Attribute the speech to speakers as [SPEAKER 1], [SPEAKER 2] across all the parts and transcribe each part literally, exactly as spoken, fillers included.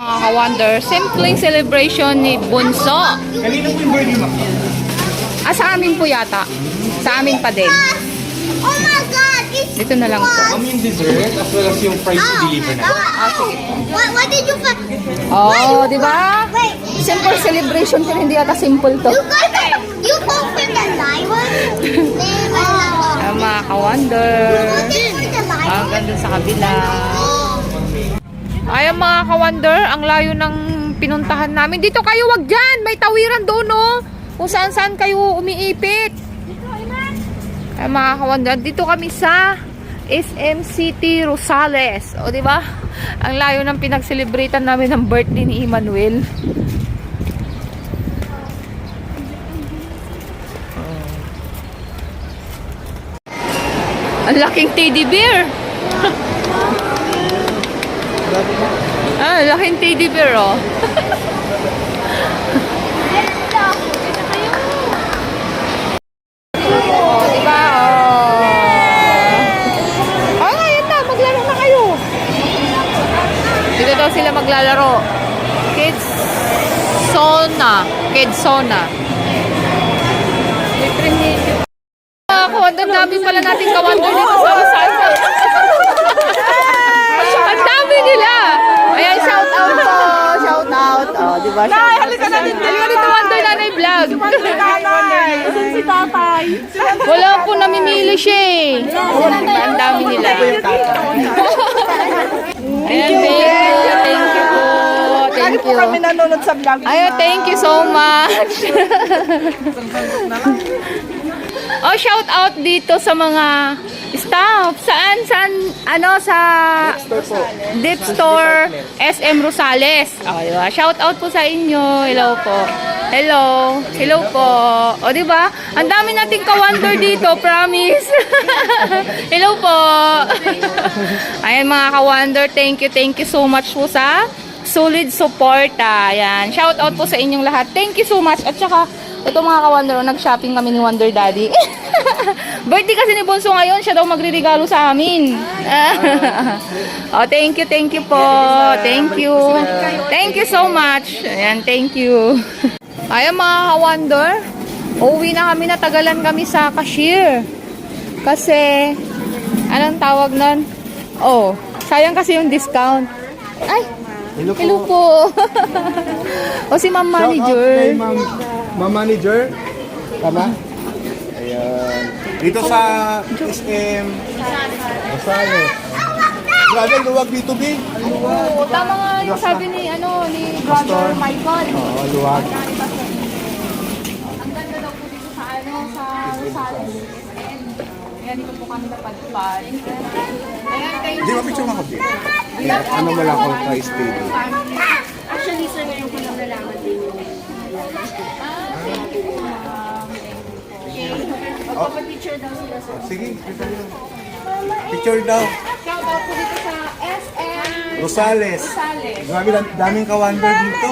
[SPEAKER 1] Mga ka-wonder, simpleng celebration ni Bunso.
[SPEAKER 2] Kanina po yung birthday mo?
[SPEAKER 1] Ah, sa amin po yata. Sa amin pa din.
[SPEAKER 3] Oh my God! It's
[SPEAKER 1] Dito na lang po.
[SPEAKER 2] Kami yung dessert as well as yung price to deliver na.
[SPEAKER 1] Ah, sige.
[SPEAKER 3] What, what did you find?
[SPEAKER 1] Oh, di ba?
[SPEAKER 3] Wait,
[SPEAKER 1] Simple celebration pero hindi yata simple to.
[SPEAKER 3] you guys, you open the light one? Oh.
[SPEAKER 1] Ah, mga ka-wonder.
[SPEAKER 3] Open the light
[SPEAKER 1] Ah,
[SPEAKER 3] one?
[SPEAKER 1] ganda sa kabila.
[SPEAKER 3] Oh.
[SPEAKER 1] Ayan mga ka-wonder, ang layo ng pinuntahan namin. Dito kayo, wag dyan! May tawiran doon, no? Kung saan-saan kayo umiipit. Ayan mga ka-wonder, dito kami sa S M City Rosales. O, di ba? Ang layo ng pinag-celebratean namin ng birthday ni Emmanuel. Ang laking teddy bear. Ah, laking teddy bear, oh. Oh, diba? Oh. Oh, ngayon na, maglaro na kayo. Dito daw sila maglalaro. Kids Sona. Kids Sona. Ah, kawander, dami pala natin kawander dito sa Rosales. Ang dami nila. Ayan, shout out po. Shout out. Oh, di ba? Nay, halika na dito. Halika dito, Wonder Nanay Vlog.
[SPEAKER 3] Saan si tatay?
[SPEAKER 1] Wala po namimili siya eh. Ang dami nila. Ayan, thank you. Thank you po. Thank you.
[SPEAKER 4] Kami nanonood sa vlog.
[SPEAKER 1] Ayan, thank you so much. Oh, shout out dito sa mga staff. Saan? Saan? Ano? Sa Dip Store S M Rosales. Oh, diba? Shout out po sa inyo. Hello po. Hello. Hello po. O, diba? Ang dami nating ka-wonder dito. Promise. Hello po. Ayan mga ka-wonder. Thank you. Thank you so much po sa solid support. Ayan. Shout out po sa inyong lahat. Thank you so much. At saka, ito mga ka-wonder, nag-shopping kami ni Wonder Daddy. Birthday kasi ni Bunso ngayon, siya daw magre-regalo sa amin. Oh, thank you, thank you po. Thank you. Thank you so much. Ayan, thank you. Ayan mga ka-wonder, uuwi na kami, natagalan kami sa cashier. Kasi, anong tawag nun? Oh, sayang kasi yung discount. Ay,
[SPEAKER 2] Hello po.
[SPEAKER 1] hello po. O si Ma'am Manager.
[SPEAKER 2] Shout out kay Ma'am, Ma'am Manager. Tama? Ayan. Dito sa S M Rosales. Grabe, luwag dito, B.
[SPEAKER 1] Oo, tama nga yung sabi ni, ano, ni Brother Michael.
[SPEAKER 2] Oo, luwag.
[SPEAKER 1] Ang ganda daw po dito sa, ano, sa Rosales S M. Ayan, dito po kami napadpad. Ayan, kayo.
[SPEAKER 2] Di ba picture ako, B? Ano mo lang kung ka-stay?
[SPEAKER 3] Actually, sir, ngayon ko lang nalaman din yung magpapapicture daw sila, sir.
[SPEAKER 2] Sige, picture daw.
[SPEAKER 1] Shout out po dito sa S M
[SPEAKER 2] Rosales.
[SPEAKER 1] Rosales.
[SPEAKER 2] Grabe, daming ka-wonder dito.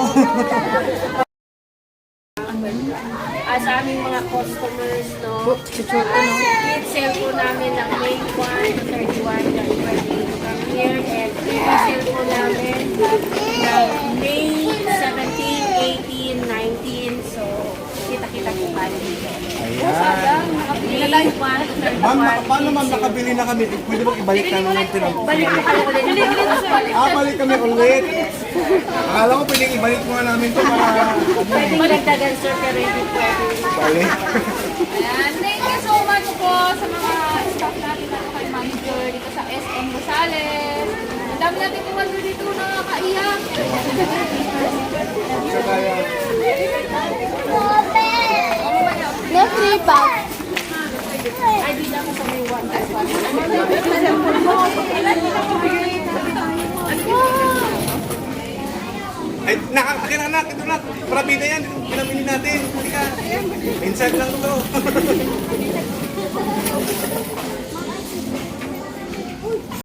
[SPEAKER 5] Ah, sa aming mga customers, no? Kids sale po namin ng May first to thirty-first ng birthday from here, and sale po namin ng May seventeenth, eighteenth, nineteenth, so kita-kita po tayo dito.
[SPEAKER 2] Ayan.
[SPEAKER 5] May first to
[SPEAKER 2] Ma'am,
[SPEAKER 5] thirty-first.
[SPEAKER 2] naka- paano ma'am nakabili na kami? Pwede ba ibalik namin yung pinag-
[SPEAKER 5] Balik po kayo ulit.
[SPEAKER 2] Ah, balik kami ulit. Akala ko pwedeng ibalik mo nga namin to para
[SPEAKER 5] Pwede magdagan, sir, pero hindi pwede.
[SPEAKER 2] balik.
[SPEAKER 1] Ayan, thank you so much po sa mga staff natin at kay manager dito sa S M Rosales. Ang dami natin kumando dito na nakakaiyak.
[SPEAKER 3] No three bags.
[SPEAKER 2] Ay, nak, akin na nak, ito nak. Parabida yan, pinamili natin. Hindi ka. Inside lang to.